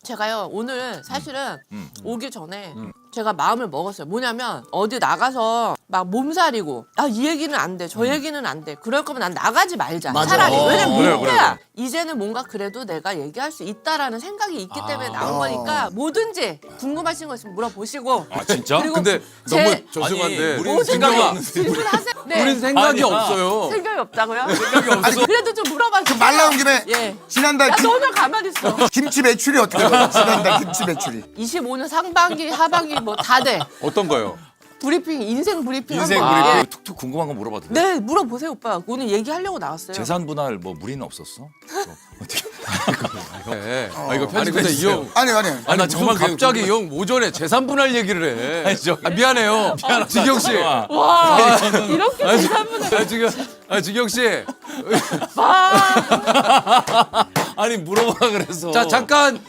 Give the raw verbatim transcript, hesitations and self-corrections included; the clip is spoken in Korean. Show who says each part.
Speaker 1: 제가요 오늘 사실은
Speaker 2: 음.
Speaker 1: 오기 전에 제가 마음을 먹었어요. 뭐냐면 어디 나가서 막 몸살이고 아 이 얘기는 안 돼, 저 얘기는 안 돼. 그럴 거면 난 나가지 말자.
Speaker 3: 맞아.
Speaker 1: 차라리
Speaker 3: 어,
Speaker 1: 왜냐면
Speaker 2: 그래,
Speaker 1: 민폐야. 이제는 뭔가 그래도 내가 얘기할 수 있다라는 생각이 있기 때문에 나온 거니까 뭐든지 궁금하신 거 있으면 물어보시고.
Speaker 2: 아 진짜?
Speaker 1: 그리고
Speaker 4: 근데
Speaker 1: 제-
Speaker 4: 너무
Speaker 2: 아니,
Speaker 4: 죄송한데
Speaker 2: 우리는
Speaker 1: 모든
Speaker 2: 생각이
Speaker 1: 거
Speaker 2: 없는데.
Speaker 1: 질문하세요. 네.
Speaker 4: 우린 생각이
Speaker 2: 아니야.
Speaker 4: 없어요.
Speaker 1: 생각이 없다고요?
Speaker 4: 생각이 없어.
Speaker 1: 그래도 좀 물어봐 주세요.
Speaker 3: 말 나온 김에
Speaker 1: 예.
Speaker 3: 지난달
Speaker 1: 야
Speaker 3: 김,
Speaker 1: 너는 가만히 있어.
Speaker 3: 김치 매출이 어떻게 돼요? 지난달 김치 매출이.
Speaker 1: 이십오 년 상반기 하반기 뭐 다 돼.
Speaker 2: 어떤 거요?
Speaker 1: 브리핑 인생 브리핑
Speaker 2: 인생
Speaker 1: 한번.
Speaker 2: 브리핑
Speaker 1: 예.
Speaker 2: 툭툭 궁금한 거 물어봐도 돼?
Speaker 1: 네 물어보세요 오빠. 오늘 얘기하려고 나왔어요.
Speaker 2: 재산 분할 뭐 무리는 없었어? 뭐 어떻게?
Speaker 4: 네.
Speaker 2: 아 이거
Speaker 4: 아니 근데 이 형,
Speaker 3: 아니 아니.
Speaker 4: 아니 나 정말
Speaker 2: 무슨
Speaker 4: 갑자기 이 형 오전에 재산 분할 얘기를 해.
Speaker 2: 아니, 저-
Speaker 4: 아, 미안해요. 지경 씨.
Speaker 2: 와.
Speaker 1: 와 이렇게 대사분을
Speaker 4: 아 지금 아 지경 씨.
Speaker 1: 와
Speaker 2: 아니 물어봐 그래서.
Speaker 4: 자 잠깐